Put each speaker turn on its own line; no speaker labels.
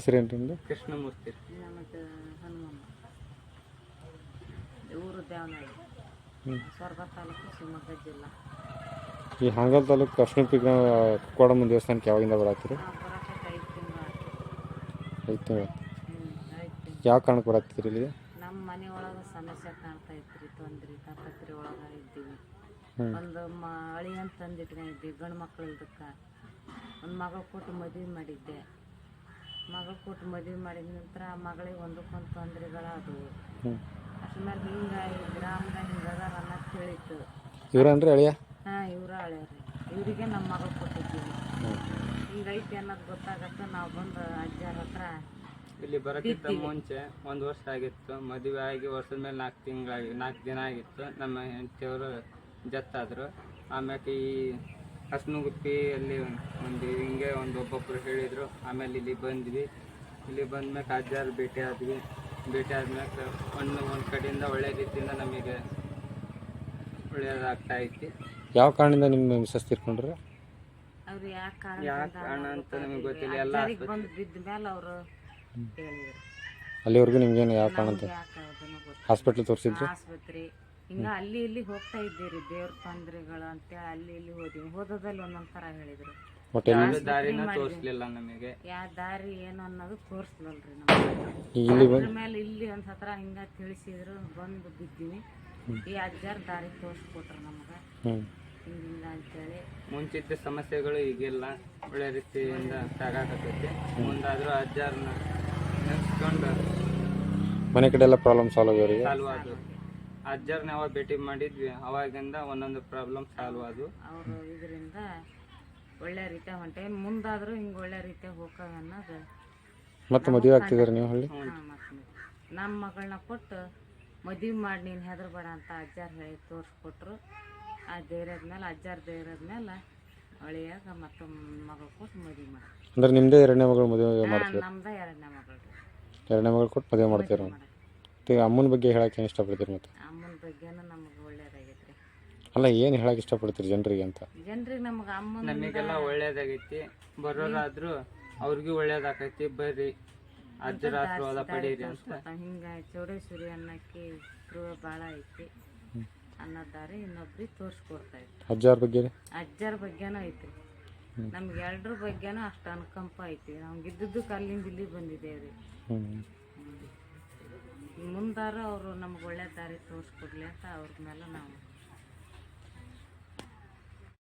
ಹೆಸರೇನು ನಿಮ್ಮದು?
ಕೃಷ್ಣಮೂರ್ತಿ.
ಮತ್ತು ಹನುಮಮ್ಮ ಊರು ದೇವನಹಳ್ಳಿ, ಸ್ವರ್ಗ ತಾಲೂಕು, ಶಿವಮೊಗ್ಗ ಜಿಲ್ಲಾ.
ಈ ಹಾನಗಲ್ ತಾಲೂಕು ಅರ್ಶಿಣ ಕೊಡಮ್ಮ ದೇವಸ್ಥಾನಕ್ಕೆ ಯಾವಾಗಿಂದ ಬರತ್ತೀರಿ?
ಬರೋಕ್ಕೆ 5 ತಿಂಗಳು ಆಯ್ತು.
5 ತಿಂಗಳು.
5 ತಿಂಗಳು.
ಯಾವ ಕಾರಣಕ್ಕೆ ಬರತ್ತೀರಿ ಇಲ್ಲಿ?
ನಮ್ಮ ಮನೆ ಒಳಗೆ ಸಮಸ್ಯೆ ಕಾಣ್ತಾ ಇತ್ತು, ತೊಂದ್ರೆ ತಾಪತ್ರೆ ಒಳಗೆ ಇದ್ದೀವಿ. ಒಂದು ಅಳಿ ಅಂತ ತಂದಿಟ್ಕೊಂಡಿದ್ದೆ, ಗಂಡು ಮಕ್ಳು ಇಲ್ದಕ್ಕೆ ಒಂದು ಮಗಳು ಕೊಟ್ಟು ಮದುವೆ ಮಾಡಿದ್ದೆ. ಮಗಳು ಕೊಟ್ಟು ಮದುವೆ ಮಾಡಿದ ನಂತರ ಮಗಳಿಗೆ ಒಂದಕ್ಕೊಂದು ತೊಂದರೆಗಳಾದವು. ಅದ್ರ ಮೇಲೆ ಹಿಂಗಾಗಿ ಗ್ರಾಮದಾಗ ಹಿಂಗದಾರ ಅನ್ನೋದು ತಿಳಿತು.
ಇವ್ರನ್ರಿ ಅಳಿಯ?
ಹಾಂ, ಇವ್ರ ಹಳೆಯವ್ರಿ. ಇವರಿಗೆ ನಮ್ಮ ಮಗಳು ಕೊಟ್ಟಿದ್ದೀವಿ. ಹಿಂಗೈತಿ ಅನ್ನೋದು ಗೊತ್ತಾಗತ್ತೆ. ನಾವು ಬಂದು ಅಜ್ಜಾರ ಹತ್ರ
ಇಲ್ಲಿ ಬರೋಕ್ಕಿಂತ ಮುಂಚೆ 1 ವರ್ಷ ಆಗಿತ್ತು. ಮದುವೆ ಆಗಿ ವರ್ಷದ ಮೇಲೆ 4 ದಿನ ಆಗಿತ್ತು. ನಮ್ಮ ಹೆಂಡತಿಯವರು ಜತ್ತಾದರು. ಆಮ್ಯಾಕೆ ಈ ಹಸ್ನುಗುಪ್ಪಿ ಅಲ್ಲಿ ಒಂದು ಹಿಂಗೆ ಒಬ್ಬೊಬ್ಬರು ಹೇಳಿದರು. ಆಮೇಲೆ ಇಲ್ಲಿ ಬಂದ್ವಿ. ಇಲ್ಲಿ ಬಂದ್ಮ್ಯಾಕೆ ಅಜ್ಜಾರು ಭೇಟಿ ಆದ್ವಿ. ಭೇಟಿ ಆದ್ಮ್ಯಾಕೆ ಒಂದು ಕಡೆಯಿಂದ ಒಳ್ಳೆ ರೀತಿಯಿಂದ ನಮಗೆ ಒಳ್ಳೆಯದಾಗ್ತಾ ಐತಿ.
ಯಾವ ಕಾರಣದಿಂದ ನಿಮ್ಮ ಮಿಸಸ್ ತೀರ್ಕೊಂಡ್ರೆ?
ಅವ್ರು ಯಾಕೆ
ಕಾರಣ ಅಂತ ನಮಗೆ ಗೊತ್ತಿಲ್ಲ. ಎಲ್ಲ
ಬಂದು ಬಿದ್ದ ಮೇಲೆ ಅವರು ಹೇಳಿದ್ರು.
ಅಲ್ಲಿವರೆಗೂ ನಿಮ್ಗೇನು ಯಾವ ಕಾರಣ ಅಂತ ಹಾಸ್ಪಿಟ್ಲ್ ತೋರಿಸಿದ್ರು?
ಆಸ್ಪತ್ರೆ ಹಿಂಗೆ ಅಲ್ಲಿ ಇಲ್ಲಿ ಹೋಗ್ತಾ ಇದ್ದೀರಿ, ದೇವ್ರ ತೊಂದರೆಗಳು ಅಂತೇಳಿ ಅಲ್ಲಿ ಇಲ್ಲಿ ಹೋದ್ವಿ. ಹೋದಲ್ಲಿ ಒಂದೊಂದು ಥರ ಹೇಳಿದ್ರು.
ದಾರಿನ ತೋರಿಸ್ಲಿಲ್ಲ ನಮಗೆ.
ಯಾವ ದಾರಿ ಏನು ಅನ್ನೋದು ತೋರಿಸ್ಲಲ್ರಿ ನಮಗೆ. ಮೇಲೆ ಇಲ್ಲಿ ಒಂದು ಹತ್ರ ಹಿಂಗೆ ತಿಳಿಸಿದ್ರು, ಬಂದು ಬಿದ್ದೀವಿ. ಈ ಅಜ್ಜಾರು ದಾರಿ ತೋರಿಸ್ಕೊಟ್ರು ನಮ್ಗೆ, ಹಿಂಗಿಲ್ಲ ಅಂತೇಳಿ.
ಮುಂಚಿದ್ದ ಸಮಸ್ಯೆಗಳು ಈಗಿಲ್ಲ, ಒಳ್ಳೆ ರೀತಿಯಿಂದ ಸಾಗಾಕತ್ತೈತಿ. ಮುಂದಾದ್ರೂ ಅಜ್ಜಾರನ್ನ ನೆನೆಸ್ಕೊಂಡು
ಮನೆ ಕಡೆ ಎಲ್ಲ ಪ್ರಾಬ್ಲಮ್ ಸಾಲ್ವ್
ಆದವು. ಅಜ್ಜಾರನ್ನ ಯಾವಾಗ ಭೇಟಿ ಮಾಡಿದ್ವಿ ಅವಾಗಿಂದ ಒಂದೊಂದು ಪ್ರಾಬ್ಲಮ್ ಸಾಲ್ವ್ ಆದವು.
ಅವರು ಇದರಿಂದ ಒಳ್ಳೆ ರೀತಿ ಹೊಂಟೆ. ಮುಂದಾದ್ರೂ ಹಿಂಗೆ ಒಳ್ಳೆ ರೀತಿ ಹೋಗ ಅನ್ನೋದು.
ಮತ್ತೆ ಮದುವೆ ಆಗ್ತಿದಾರೆ ನೀವು ಹಳ್ಳಿ?
ನಮ್ಮ ಮಗಳನ್ನ ಕೊಟ್ಟು ಮದುವೆ ಮಾಡಿ ನೀನು ಹೆದರ್ಬೇಡ ಅಂತ ಅಜ್ಜಾರು ಹೇಳಿ ತೋರಿಸ್ಕೊಟ್ರು. ಆ ಧೈರ್ಯದ ಮೇಲೆ, ಅಜ್ಜಾರ ಧೈರ್ಯದ ಮೇಲೆ ಒಳ್ಳೆಯಾಗ ಮತ್ತೆ ಮಗಳು ಕೊಟ್ಟು ಮದುವೆ ಮಾಡಿ.
ಅಂದ್ರೆ ನಿಮ್ಮದೇ 2ನೇ ಮಗಳು ಮದುವೆ ಮಾಡ್ತೀವಿ?
ನಮ್ದು 2ನೇ ಮಗಳು.
2ನೇ ಮಗಳು ಕೊಟ್ಟು ಮದುವೆ ಮಾಡ್ತೀರ? ಅಮ್ಮನ ಬಗ್ಗೆ ಹೇಳಕ್ಕೆ ಏನು ಇಷ್ಟಪಡ್ತೀರಿ? ಮತ್ತೆ
ಅಮ್ಮನ ಬಗ್ಗೆನೂ ನಮಗೆ ಒಳ್ಳೇದಾಗೈತ್ರಿ.
ಅಲ್ಲ, ಏನು ಹೇಳಕ್ಕೆ ಇಷ್ಟಪಡ್ತೀರಿ ಜನರಿಗೆ ಅಂತ?
ಜನರಿಗೆ ನಮಗೆ ಅಮ್ಮನ
ನಮಗೆಲ್ಲ ಒಳ್ಳೇದಾಗೈತಿ. ಬರೋರಾದ್ರೂ ಅವ್ರಿಗೂ ಒಳ್ಳೇದಾಗೈತಿ. ಬರ್ರಿ ಅಜ್ಜರ ಆಶೀರ್ವಾದ ಪಡೀರಿ ಅಂತ.
ಹಿಂಗೆ ಚೌಡೇಶ್ವರಿ ಅನ್ನಕ್ಕೆ ಭಾಳ ಐತಿ ಅನ್ನೋದಾರಿ ಇನ್ನೊಬ್ರಿಗೆ ತೋರಿಸ್ಕೊಡ್ತಾ ಇತ್ತು.
ಅಜ್ಜಾರ
ಬಗ್ಗೆನೂ ಐತ್ರಿ. ನಮ್ಗೆ ಎರಡರ ಬಗ್ಗೆನೂ ಅಷ್ಟು ಅನುಕಂಪ ಐತಿ. ನಮ್ಗೆ ಇದ್ದದ್ದಕ್ಕೆ ಅಲ್ಲಿಂದ ಇಲ್ಲಿ ಬಂದಿದ್ದೇವ್ರಿ. ಮುಂದಾರು ಅವರು ನಮ್ಗೆ ಒಳ್ಳೆ ದಾರಿ ತೋರಿಸ್ಕೊಡ್ಲಿ ಅಂತ ಅವ್ರ ಮೇಲೆ ನಾವು